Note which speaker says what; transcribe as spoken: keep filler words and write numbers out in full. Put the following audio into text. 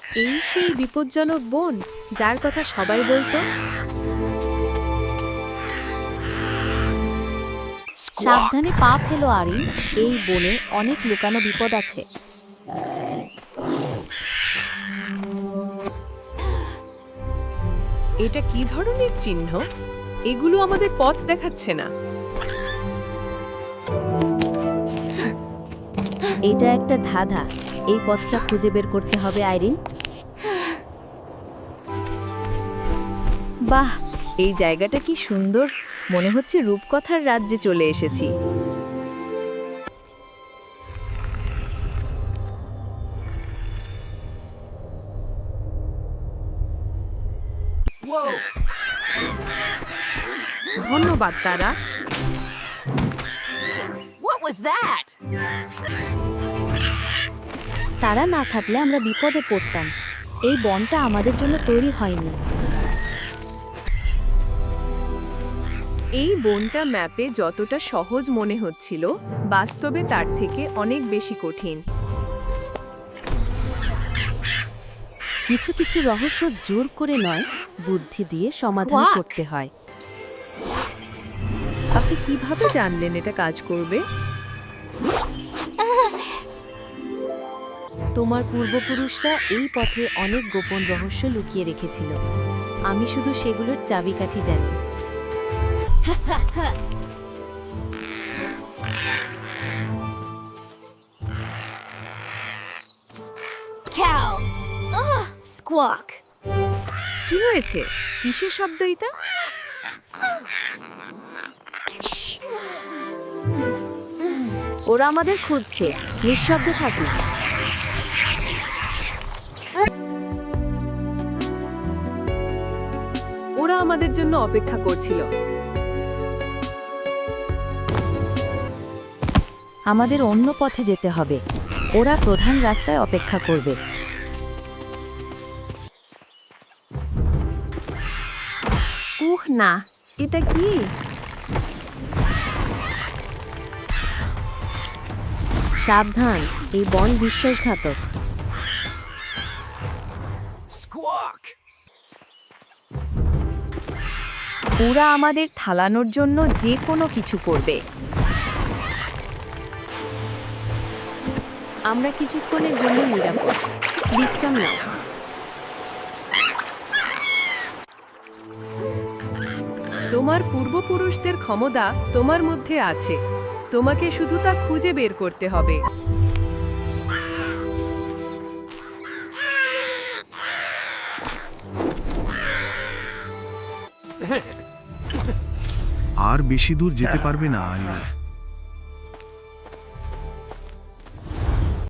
Speaker 1: এই সেই বিপজ্জনক বন যার কথা সবাই বলতো।
Speaker 2: সাবধানে পা ফেলো আরিন, এই বনে অনেক লুকানো বিপদ আছে।
Speaker 3: এটা কি ধরনের চিহ্ন? এগুলো আমাদের পথ দেখাচ্ছে না।
Speaker 2: এটা একটা ধাঁধা, এই পথটা খুঁজে বের করতে হবে আইরিন।
Speaker 1: বাহ, এই জায়গাটা কি সুন্দর, মনে হচ্ছে রূপকথার রাজ্যে চলে এসেছি।
Speaker 3: ধন্যবাদ তারা।
Speaker 2: তারা না থাকলে আমরা বিপদে পড়তাম। এই বনটা আমাদের জন্য তৈরি হয়নি।
Speaker 3: এই বনটা ম্যাপে যতটা সহজ মনে হচ্ছিল, বাস্তবে তার থেকে অনেক বেশি কঠিন।
Speaker 2: কিছু কিছু রহস্য জোর করে নয়, বুদ্ধি দিয়ে সমাধান করতে হয়।
Speaker 3: আপনি কিভাবে জানলেন এটা কাজ করবে?
Speaker 2: তোমার পূর্বপুরুষরা এই পথে অনেক গোপন রহস্য লুকিয়ে রেখেছিল, আমি শুধু সেগুলোর চাবিকাঠি জানি।
Speaker 4: Cow. Ugh, squawk.
Speaker 3: কি হয়েছে? কিসের শব্দ এটা?
Speaker 2: ওরা আমাদের খুঁজছে, নিঃশব্দে থাকি।
Speaker 3: ওরা আমাদের জন্য অপেক্ষা করছিল।
Speaker 2: আমাদের অন্য পথে যেতে হবে, ওরা প্রধান রাস্তায় অপেক্ষা করবে।
Speaker 3: উহ না, এটা কি?
Speaker 2: সাবধান, এই বন বিশ্বাসঘাতক।
Speaker 1: ওরা আমাদের থালানোর জন্য যে কোনো কিছু করবে। আমরা কিছুক্ষণের জন্য নিরাপদ, বিশ্রাম নাও।
Speaker 3: তোমার পূর্বপুরুষদের ক্ষমতা তোমার মধ্যে আছে, তোমাকে শুধু তা খুঁজে বের করতে হবে।
Speaker 5: আর বেশি দূর যেতে পারবে না আয়ু।